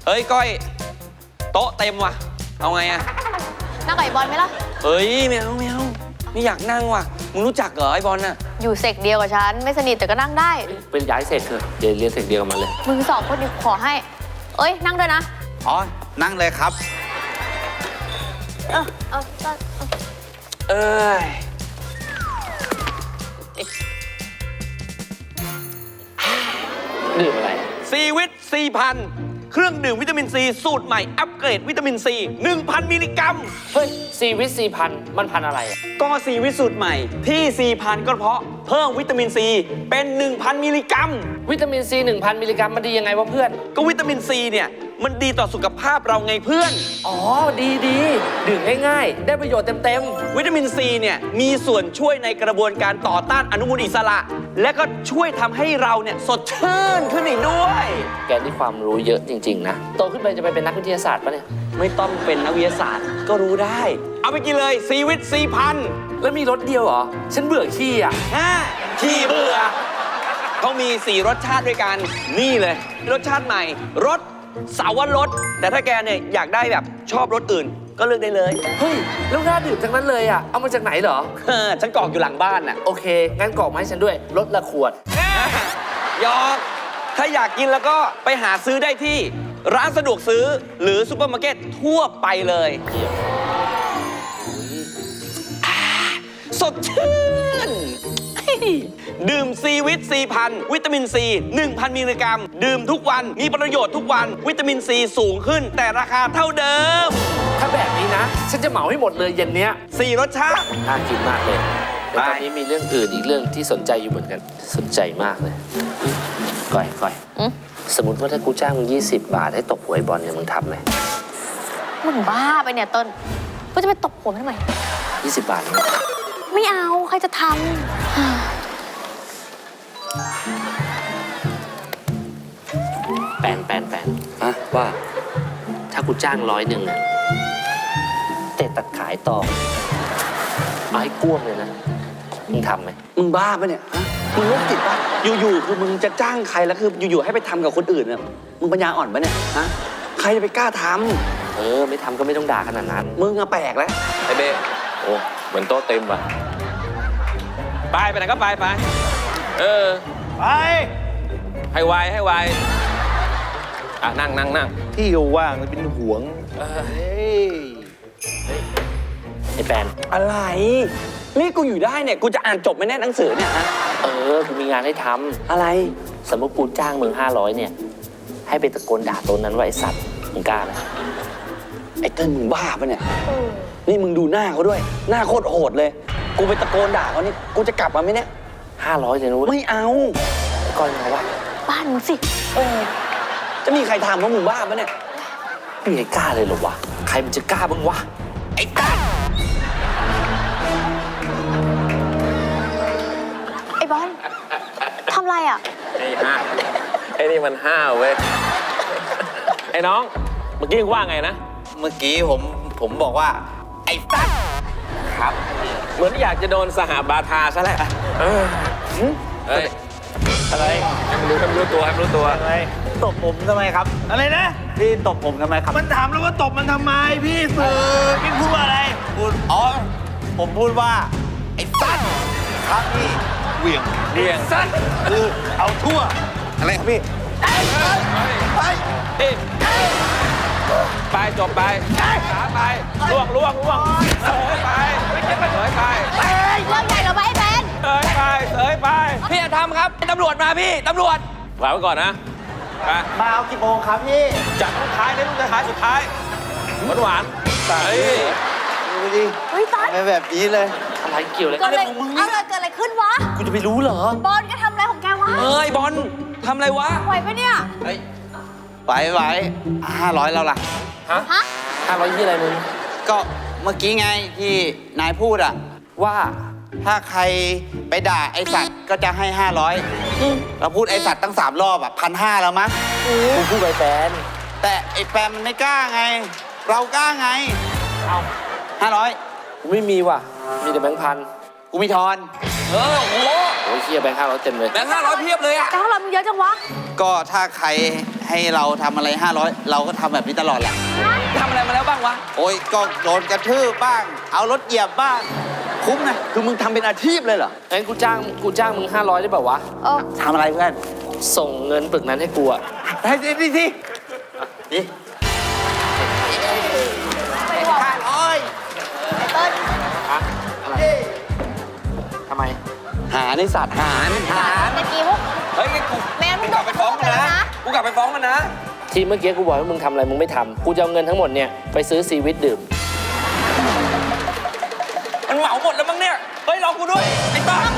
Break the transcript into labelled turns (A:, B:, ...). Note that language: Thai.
A: เฮ้ยก้อยโต๊ะเต็มว่ะเอาไงอะ
B: นั่งกับไอ้บอลไหมล่ะ
A: เฮ้ยไม่เอาไม่อยากนั่งว่ะมึงรู้จักเหรอไอ้บอลน่ะ
B: อยู่เซกเดียวกับฉันไม่สนิทแต่ก็นั่งได้
C: เป็นย้ายเสกเถอะเดี๋ยวเรียนเสกเดียวกันมาเลย
B: มึงสองคนนี้ขอให้เอ้ยนั่งด้วยนะ
D: อ๋อนั่งเลยครับ
A: เอ้ย
C: ดื่มอะไร
A: ซีวิต4,000เครื่องดื่มวิตามินซีสูตรใหม่อัปเกรดวิตามินซี 1,000 มิลลิกรัม
C: เฮ้ยซีวิต4,000มันพันอะไร
A: ก็ซีวิตสูตรใหม่ที่ 4,000 ก็เพราะเพิ่มวิตามินซีเป็น 1,000 มิลลิกรัม
C: วิตามินซี 1,000 มิลลิกรัมมันดียังไงวะเพื่อน
A: ก็วิตามินซีเนี่ยมันดีต่อสุขภาพเราไงเพื่อน
C: อ๋อดีดื่มง่ายๆได้ประโยชน์เต็ม
A: วิตามินซีเนี่ยมีส่วนช่วยในกระบวนการต่อต้านอนุมูลอิสระและก็ช่วยทำให้เราเนี่ยสดชื่นขึ้นอีกด้วย
C: แกนี่ความรู้เยอะจริงๆนะโตขึ้นไปจะไปเป็นนักวิทยาศาสตร์ปะเนี่ย
A: ไม่ต้องเป็นนักวิทยาศาสตร์ก็รู้ได้เอาไปกินเลยซีวิต 4,000
C: แล้วมีรสเดียวเหรอฉันเบื่อขี้อ่ะ
A: ขี้เบื่อเขามี4รสชาติด้วยกันนี่เลยรสชาติใหม่รสสาวรสแต่ถ้าแกเนี่ยอยากได้แบบชอบรสอื่นก็เลือกได้เลย
C: เฮ้ยแล้วน่าดื่มทั้งนั้นเลยอ่ะเอามาจากไหนเหรอ
A: ฉันกรอกอยู่หลังบ้านน่ะ
C: โอเคงั้นกรอกมาให้ฉันด้วยรสละขวด
A: ยอกถ้าอยากกินแล้วก็ไปหาซื้อได้ที่ร้านสะดวกซื้อหรือซุปเปอร์มาร์เก็ตทั่วไปเลยสดชื่นดื่มซีวิต 4,000 วิตามินซี 1,000 มิลลิกรัมดื่มทุกวันมีประโยชน์ทุกวันวิตามินซีสูงขึ้นแต่ราคาเท่าเดิม
C: ถ้าแบบนี้นะฉันจะเหมาให้หมดเลยเย็นเนี้ย
A: 4รสชาติ
C: น่ากินมากเลยแต่ตอนนี้มีเรื่องอื่นอีกเรื่องที่สนใจอยู่เหมือนกันสนใจมากเลยก้อยสมมติว่าถ้ากูจ้างมึง20 บาทให้ตบหัวไอ้บอลเนี่ยมึงทำไหม
B: มึงบ้าไปเนี่ยต้นกูจะไปตบหัวมันทำไม
C: 20 บาท
B: ไม่เอาใครจะทำ
C: แปน
A: อะว่า
C: ถ้ากูจ้าง100เนี่ยเตะตัดขายต่อเอาให้ก้วงเลยนะมึงทำไหม
A: มึงบ้าปะเนี่ยมึงโรคจิตปะอยู่ๆคือมึงจะจ้างใครแล้วคืออยู่ๆให้ไปทำกับคนอื่นเนี่ยมึงปัญญาอ่อนปะเนี่ยฮะใครจะไปกล้าท
C: ำไม่ทำก็ไม่ต้องด่าขนาดนั้น
A: มึงอะแปลกแล้ว
C: ไอ้เบ้โอ้เหมือนโต๊ะเต็มว่ะ
A: ไปไหนก็ไปไปให้ไวนั่ง
D: ที่ว่างเป็นห่วง
C: ไอ้แปน
A: อะไรนี่กูอยู่ได้เนี่ยกูจะอ่านจบไหมเนี่ยหนังสือเนี่ยฮะ
C: กูมีงานให้ทำ
A: อะไร
C: สมมติกูจ้างมึง500เนี่ยให้ไปตะโกนด่าตนนั้นว่าไอ้สัตว์มึงกล้าไหม
A: ไอ้เติ้ลมึงบ้าปะเนี่ยนี่มึงดูหน้าเขาด้วยหน้าโคตรโหดเลยกูไปตะโกนด่าเขานี่กูจะกลับมาไหมเนี่ย
C: 500เลยนุ้ย
A: ไม่เอา
C: ก้อยมาว่า
B: บ้านมึงสิ
A: จะมีใครทำเพราะมึงบ้าปะเนี่ย
C: ไม่มีใครกล้าเลยหรอวะใครมันจะกล้าบ้างวะไอ้ตั้น
B: ไอ้บอลทำไรอ่ะ
C: ไอ้นี่มันห้าวเว้ยไอ้น้องเมื่อกี้ว่าไงนะ
D: เมื่อกี้ผมบอกว่าไอ้ตั้น
C: ครับเหมือนอยากจะโดนสหบาทาซะแล้วอะไรให้มันรู้ตัว
D: อะไรตบผมทำไมครับอะไรนะพี่ตบผมทำไมครับมันถามแล้วว่าตบมันทำไมพี่สื่อพี่พูดว่าอะไรผมพูดว่าไอ้สัตว์ครับพี่เวี่ยงสัตว์คือเอาทั่วอะไรครับพี่
A: ไปจบไปขาไปล่วงเสยไปไม่เก็บไปเสยไป
B: เรื่องใหญ่เหรอไอ้แบน
A: เสยไปพี่จะทำครับตำรวจมาพี่ตำรวจ
C: ฝากไว้ก่อนนะ
D: มาเอากี่โมงครับพี่
A: จัดลูกท้ายเลยลูกท้ายสุดท้ายหวาน
D: ดูดิไม่แบบนี้เลย
C: อะไรเกี่ยวอะไร
B: เกิดอะไรขึ้นวะ
C: กูจะไปรู้เหรอบ
B: อลแกทำอะไรของแกวะ
A: บอลทำอะไรวะ
B: ไหวปะเนี่ย
D: ไหว500แล้วล่ะ
C: ฮะ500ที่อะไรมึง
D: ก็เมื่อกี้ไงที่นายพูดอะว่าถ้าใครไปด่าไอสัตว์ก็จะให้500เราพูดไอสัตว์ตั้ง3 รอบอะ1,500แล้วมั้ง
C: กูพูดไปแฟน
D: แต่ไอแฟนมันไม่กล้าไงเรากล้าไง
C: เอา
D: 500
C: กูไม่มีว่ะมีแต่แบงค์พัน
D: กูมีทอน
C: โอ้โหเเฮียแบงค์500เต็มเลย
A: แบงค์500เพียบเลยอะ
B: แต่ถ้าเรามีเยอะจังวะ
D: ก็ถ้าใครให้เราทำอะไร 500 เราก็ทำแบบนี้ตลอดแหละ
A: ทำอะไรมาแล้วบ้างวะ
D: โอ้ยก็โดนกระทืบบ้าง เอารถเหยียบบ้าง คุ้มนะ
A: คือมึงทำเป็นอาชีพเลยเหรอ
C: งั้นกูจ้างมึง500ได้เปล่าวะ
B: เออ
D: ทำอะไรเพื่อน
C: ส่งเงินปึกนั้นให้กูอะ
D: ให้ดินี่
B: ไปดีกว่า
D: 500
B: เติ้ล
C: ฮะอะไรทำไม
A: หาในสัตว์หาร
B: เมื่อกี้พวก
A: เฮ้ยกู
B: แม่มึง
A: กลับไปฟ้องมัน
B: โดนกระทืบไปแล้ว
A: นะ
B: นะ
A: กูกลับไปฟ้องมันนะ
C: ที่เมื่อกี้กูบอกว่ามึงทำอะไรมึงไม่ทำกูจะเอาเงินทั้งหมดเนี่ยไปซื้อซีวิตดื่ม
A: มันเหมาหมดแล้วมั้งเนี่ย เฮ้ยรอกูด้วย ไอ้ต้า